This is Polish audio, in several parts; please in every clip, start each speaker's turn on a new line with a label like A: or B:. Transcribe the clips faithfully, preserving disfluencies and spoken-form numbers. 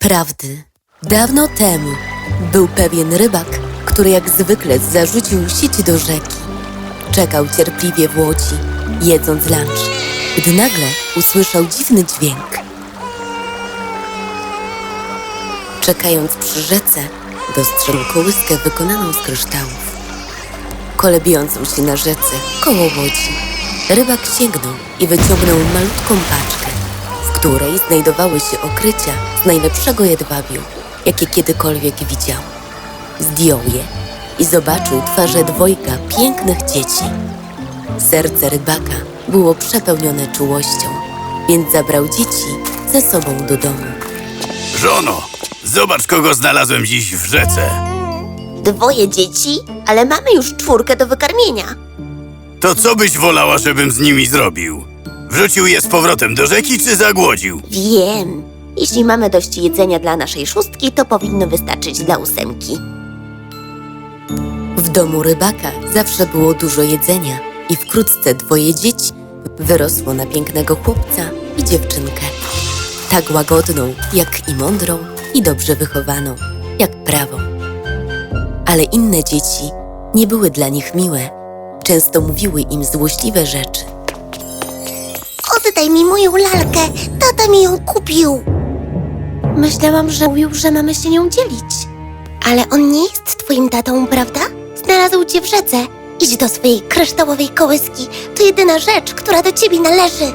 A: Prawdy. Dawno temu był pewien rybak, który jak zwykle zarzucił sieć do rzeki. Czekał cierpliwie w łodzi, jedząc lunch, gdy nagle usłyszał dziwny dźwięk. Czekając przy rzece, dostrzegł kołyskę wykonaną z kryształów, kolebiącą się na rzece koło łodzi. Rybak sięgnął i wyciągnął malutką paczkę, w której znajdowały się okrycia z najlepszego jedwabiu, jakie kiedykolwiek widział. Zdjął je i zobaczył twarze dwojga pięknych dzieci. Serce rybaka było przepełnione czułością, więc zabrał dzieci ze sobą do domu.
B: Żono, zobacz, kogo znalazłem dziś w rzece.
C: Dwoje dzieci, ale mamy już czwórkę do wykarmienia.
B: To co byś wolała, żebym z nimi zrobił? Wrzucił je z powrotem do rzeki, czy zagłodził?
C: Wiem. Jeśli mamy dość jedzenia dla naszej szóstki, to powinno wystarczyć dla ósemki.
A: W domu rybaka zawsze było dużo jedzenia i wkrótce dwoje dzieci wyrosło na pięknego chłopca i dziewczynkę. Tak łagodną, jak i mądrą i dobrze wychowaną, jak prawą. Ale inne dzieci nie były dla nich miłe. Często mówiły im złośliwe rzeczy.
C: Oddaj mi moją lalkę, tata mi ją kupił. Myślałam, że mówił, że mamy się nią dzielić. Ale on nie jest twoim tatą, prawda? Znalazł cię w rzece. Idź do swojej kryształowej kołyski. To jedyna rzecz, która do ciebie należy.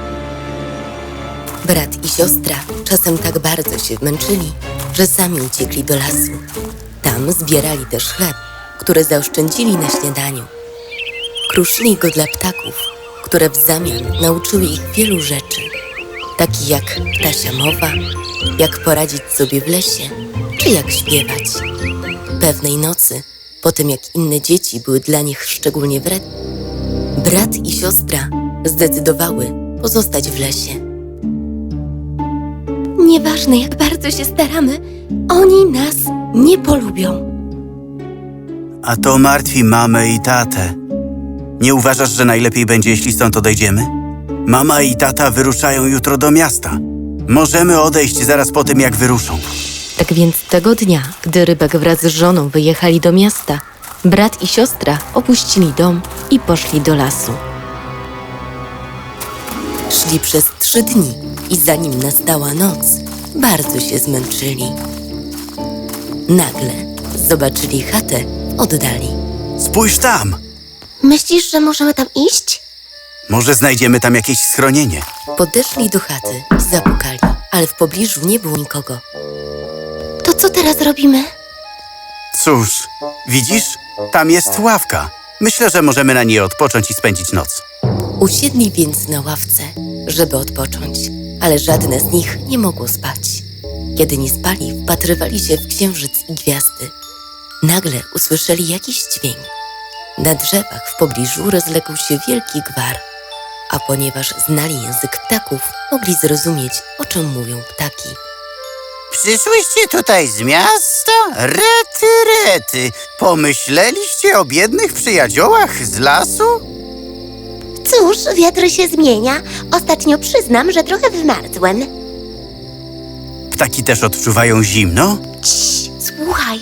A: Brat i siostra czasem tak bardzo się męczyli, że sami uciekli do lasu. Tam zbierali też chleb, który zaoszczędzili na śniadaniu. Kruszyli go dla ptaków, które w zamian nauczyły ich wielu rzeczy, takich jak ptasia mowa, jak poradzić sobie w lesie, czy jak śpiewać. Pewnej nocy, po tym jak inne dzieci były dla nich szczególnie wredne, brat i siostra zdecydowały pozostać w lesie. Nieważne, jak bardzo się staramy, oni nas nie polubią.
B: A to martwi mamę i tatę. Nie uważasz, że najlepiej będzie, jeśli stąd odejdziemy? Mama i tata wyruszają jutro do miasta. Możemy odejść zaraz po tym, jak wyruszą.
A: Tak więc tego dnia, gdy rybak wraz z żoną wyjechali do miasta, brat i siostra opuścili dom i poszli do lasu. Szli przez trzy dni i zanim nastała noc, bardzo się zmęczyli. Nagle zobaczyli chatę w oddali.
B: Spójrz tam!
C: Myślisz, że możemy tam iść?
B: Może znajdziemy tam jakieś schronienie.
A: Podeszli do chaty i zapukali, ale w pobliżu nie było nikogo.
C: To co teraz robimy?
B: Cóż, widzisz? Tam jest ławka. Myślę, że możemy na niej odpocząć i spędzić noc.
A: Usiedli więc na ławce, żeby odpocząć, ale żadne z nich nie mogło spać. Kiedy nie spali, wpatrywali się w księżyc i gwiazdy. Nagle usłyszeli jakiś dźwięk. Na drzewach w pobliżu rozległ się wielki gwar, a ponieważ znali język ptaków, mogli zrozumieć, o czym mówią ptaki.
B: Przyszłyście tutaj z miasta? Rety, rety. Pomyśleliście o biednych przyjaciołach z lasu?
C: Cóż, wiatr się zmienia. Ostatnio przyznam, że trochę wymarzłem.
B: Ptaki też odczuwają zimno?
C: Cii, słuchaj.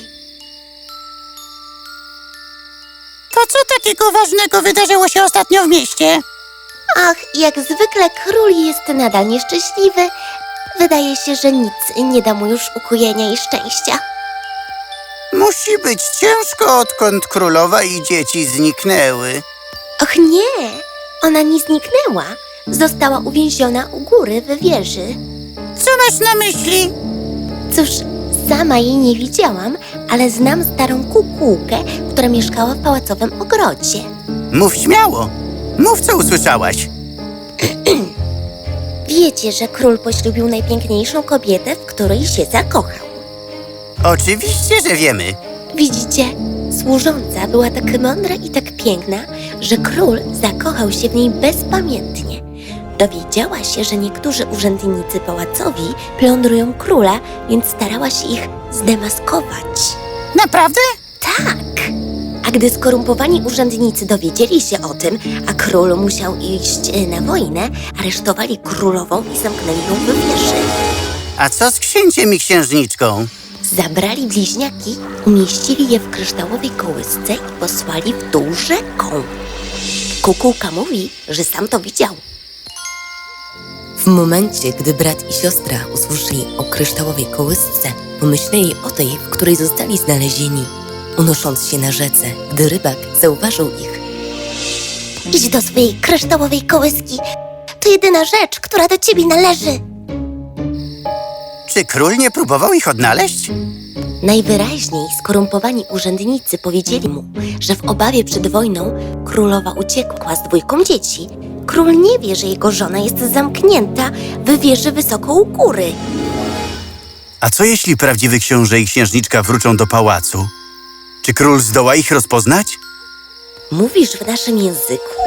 D: To co takiego ważnego wydarzyło się ostatnio w mieście?
C: Ach, jak zwykle król jest nadal nieszczęśliwy. Wydaje się, że nic nie da mu już ukojenia i szczęścia.
D: Musi być ciężko, odkąd królowa i dzieci zniknęły.
C: Och nie, ona nie zniknęła. Została uwięziona u góry w wieży.
D: Co masz na myśli?
C: Cóż, sama jej nie widziałam, ale znam starą kukułkę, która mieszkała w pałacowym ogrodzie.
D: Mów śmiało. Mów, co usłyszałaś.
C: Wiecie, że król poślubił najpiękniejszą kobietę, w której się zakochał.
D: Oczywiście, że wiemy.
C: Widzicie, służąca była tak mądra i tak piękna, że król zakochał się w niej bezpamiętnie. Dowiedziała się, że niektórzy urzędnicy pałacowi plądrują króla, więc starała się ich zdemaskować.
D: Naprawdę?
C: Tak! A gdy skorumpowani urzędnicy dowiedzieli się o tym, a król musiał iść na wojnę, aresztowali królową i zamknęli ją w wieży.
B: A co z księciem i księżniczką?
C: Zabrali bliźniaki, umieścili je w kryształowej kołysce i posłali w dół rzeką. Kukułka mówi, że sam to widział.
A: W momencie, gdy brat i siostra usłyszeli o kryształowej kołysce, pomyśleli o tej, w której zostali znalezieni, unosząc się na rzece, gdy rybak zauważył ich.
C: Idź do swojej kryształowej kołyski. To jedyna rzecz, która do ciebie należy.
B: Czy król nie próbował ich odnaleźć?
C: Najwyraźniej skorumpowani urzędnicy powiedzieli mu, że w obawie przed wojną królowa uciekła z dwójką dzieci. Król nie wie, że jego żona jest zamknięta w wieży wysoko u góry.
B: A co jeśli prawdziwy książę i księżniczka wrócą do pałacu? Czy król zdoła ich rozpoznać?
C: Mówisz w naszym języku?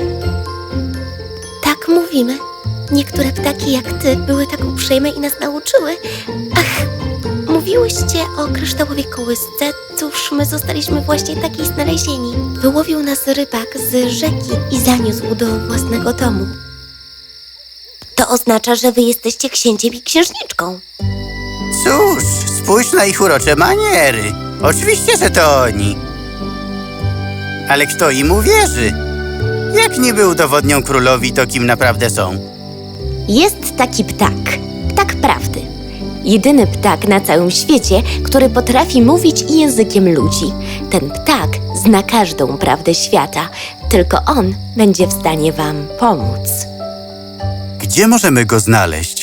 C: Tak mówimy. Niektóre ptaki jak ty były tak uprzejme i nas nauczyły. Ach, mówiłyście o kryształowej kołysce. Cóż, my zostaliśmy właśnie takiej znalezieni. Wyłowił nas rybak z rzeki i zaniósł do własnego domu. To oznacza, że wy jesteście księciem i księżniczką.
B: Cóż, spójrz na ich urocze maniery. Oczywiście, że to oni. Ale kto im uwierzy? Jak niby udowodnią królowi to, kim naprawdę są?
C: Jest taki ptak, ptak prawdy. Jedyny ptak na całym świecie, który potrafi mówić i językiem ludzi. Ten ptak zna każdą prawdę świata, tylko on będzie w stanie wam pomóc.
B: Gdzie możemy go znaleźć?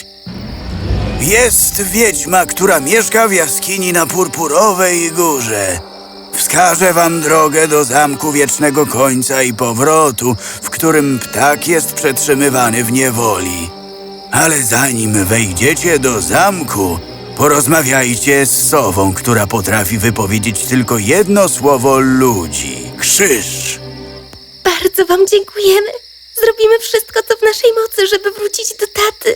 B: Jest wiedźma, która mieszka w jaskini na Purpurowej Górze. Wskażę wam drogę do Zamku Wiecznego Końca i Powrotu, w którym ptak jest przetrzymywany w niewoli. Ale zanim wejdziecie do zamku, porozmawiajcie z sową, która potrafi wypowiedzieć tylko jedno słowo ludzi. Krzyż!
C: Bardzo wam dziękujemy. Zrobimy wszystko, co w naszej mocy, żeby wrócić do taty.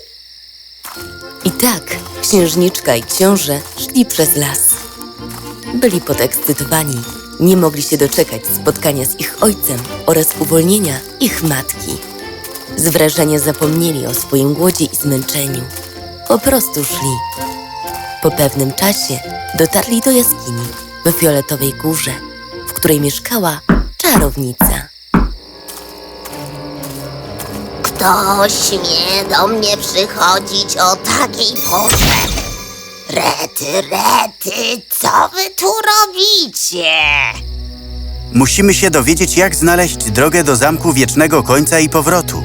A: I tak księżniczka i książę szli przez las. Byli podekscytowani. Nie mogli się doczekać spotkania z ich ojcem oraz uwolnienia ich matki. Z wrażenia zapomnieli o swoim głodzie i zmęczeniu. Po prostu szli. Po pewnym czasie dotarli do jaskini we Fioletowej Górze, w której mieszkała czarownica.
C: Kto śmie do mnie przychodzić o takiej porze? Rety, rety, co wy tu robicie?
B: Musimy się dowiedzieć, jak znaleźć drogę do Zamku Wiecznego Końca i Powrotu.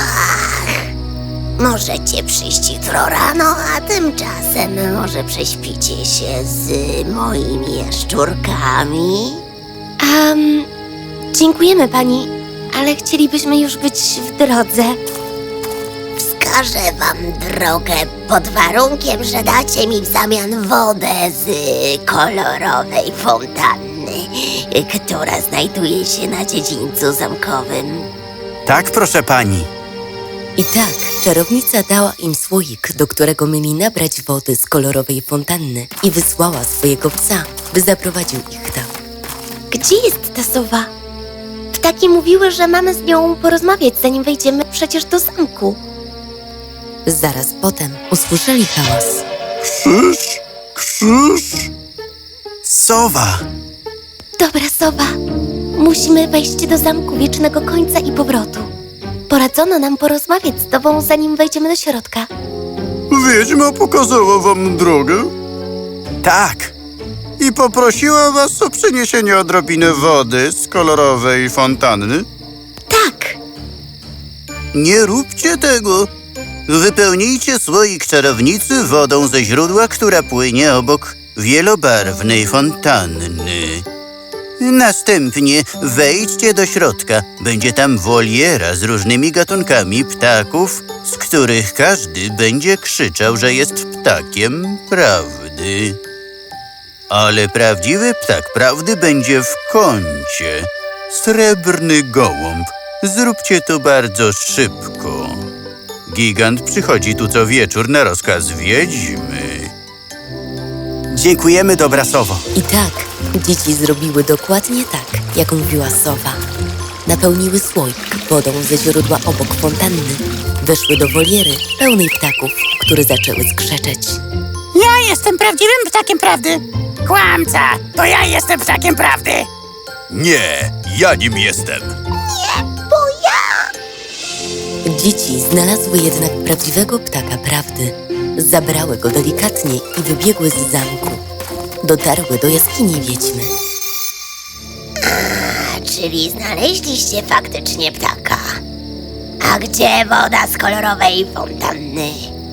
C: Możecie przyjść jutro rano, a tymczasem może prześpicie się z moimi jaszczurkami? Um, dziękujemy pani, ale chcielibyśmy już być w drodze. Wskażę wam drogę pod warunkiem, że dacie mi w zamian wodę z kolorowej fontanny, która znajduje się na dziedzińcu zamkowym.
B: Tak, proszę pani.
A: I tak czarownica dała im słoik, do którego mieli nabrać wody z kolorowej fontanny i wysłała swojego psa, by zaprowadził ich tam.
C: Gdzie jest ta sowa? Ptaki mówiły, że mamy z nią porozmawiać, zanim wejdziemy przecież do zamku.
A: Zaraz potem usłyszeli hałas.
B: Krzyż! Krzyż! Sowa!
C: Dobra, sowa. Musimy wejść do Zamku Wiecznego Końca i Powrotu. Poradzono nam porozmawiać z tobą, zanim wejdziemy do środka.
B: Wiedźma pokazała wam drogę? Tak. I poprosiła was o przyniesienie odrobiny wody z kolorowej fontanny?
C: Tak.
B: Nie róbcie tego. Wypełnijcie słoik czarownicy wodą ze źródła, która płynie obok wielobarwnej fontanny. Następnie wejdźcie do środka. Będzie tam woliera z różnymi gatunkami ptaków, z których każdy będzie krzyczał, że jest ptakiem prawdy. Ale prawdziwy ptak prawdy będzie w kącie. Srebrny gołąb. Zróbcie to bardzo szybko. Gigant przychodzi tu co wieczór na rozkaz wiedźmy. Dziękujemy, dobra sowo.
A: I tak dzieci zrobiły dokładnie tak, jak mówiła sowa. Napełniły słoik wodą ze źródła obok fontanny. Weszły do woliery pełnej ptaków, które zaczęły skrzeczeć.
D: jestem prawdziwym ptakiem prawdy. Kłamca, to ja jestem ptakiem prawdy.
E: Nie, ja nim jestem.
A: Dzieci znalazły jednak prawdziwego ptaka prawdy. Zabrały go delikatnie i wybiegły z zamku. Dotarły do jaskini wiedźmy.
C: Czyli znaleźliście faktycznie ptaka. A gdzie woda z kolorowej fontanny?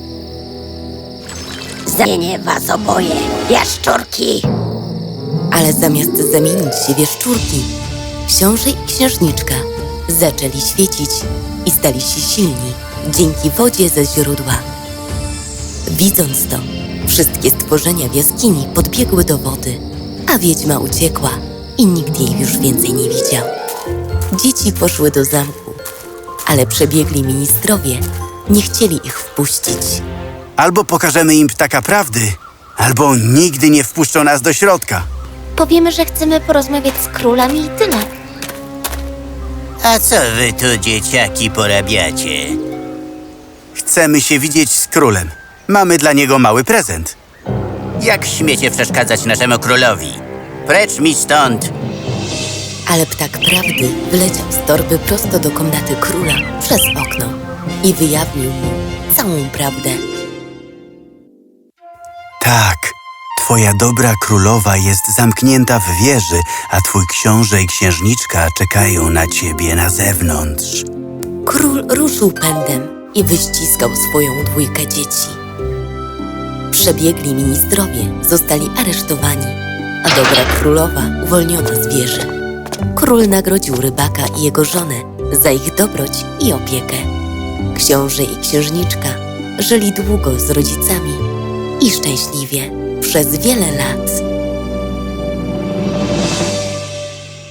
C: Zamienię was oboje, jaszczurki.
A: Ale zamiast zamienić się w jaszczurki, książę i księżniczka zaczęli świecić i stali się silni dzięki wodzie ze źródła. Widząc to, wszystkie stworzenia w jaskini podbiegły do wody, a wiedźma uciekła i nikt jej już więcej nie widział. Dzieci poszły do zamku, ale przebiegli ministrowie nie chcieli ich wpuścić.
B: Albo pokażemy im ptaka prawdy, albo nigdy nie wpuszczą nas do środka.
C: Powiemy, że chcemy porozmawiać z królami i tyle.
F: A co wy tu, dzieciaki, porabiacie?
B: Chcemy się widzieć z królem. Mamy dla niego mały prezent.
F: Jak śmiecie przeszkadzać naszemu królowi? Precz mi stąd!
A: Ale ptak prawdy wyleciał z torby prosto do komnaty króla przez okno i wyjawnił mu całą prawdę.
B: Tak, twoja dobra królowa jest zamknięta w wieży, a twój książę i księżniczka czekają na ciebie na zewnątrz.
A: Król ruszył pędem i wyściskał swoją dwójkę dzieci. Przebiegli ministrowie zostali aresztowani, a dobra królowa uwolniona z wieży. Król nagrodził rybaka i jego żonę za ich dobroć i opiekę. Książę i księżniczka żyli długo z rodzicami i szczęśliwie przez wiele lat.